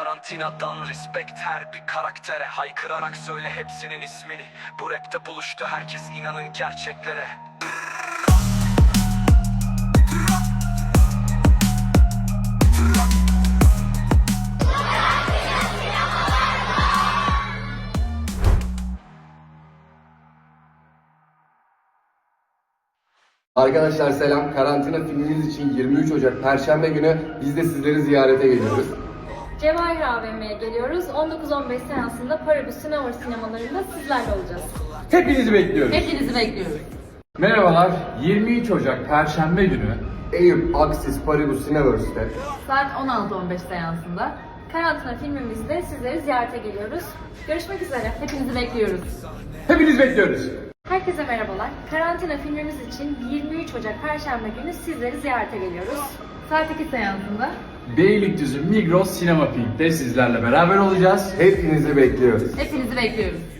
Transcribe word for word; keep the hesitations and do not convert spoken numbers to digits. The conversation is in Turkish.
Karantinadan respect her bir karaktere, haykırarak söyle hepsinin ismini. Bu rapte buluştu herkes, inanın gerçeklere. Arkadaşlar selam. Karantina filmimiz için yirmi üç Ocak Perşembe günü biz de sizleri ziyarete geliyoruz. Cevahir A V M'ye geliyoruz. on dokuz on beş seansında Paribus Sinema sinemalarında sizlerle olacağız. Hepinizi bekliyoruz. Hepinizi bekliyoruz. Merhabalar, yirmi üç Ocak Perşembe günü Eyüp Aksis Paribus Cineverse'de Saat on altı on beş seansında. Karantina filmimizde sizleri ziyarete geliyoruz. Görüşmek üzere. Hepinizi bekliyoruz. hepiniz bekliyoruz. Herkese merhabalar. Karantina filmimiz için yirmi üç Ocak Perşembe günü sizleri ziyarete geliyoruz. Saat iki seansında. Beylikdüzü Migros Sinema Pink'te sizlerle beraber olacağız. hepinizi bekliyoruz. Hepinizi bekliyoruz.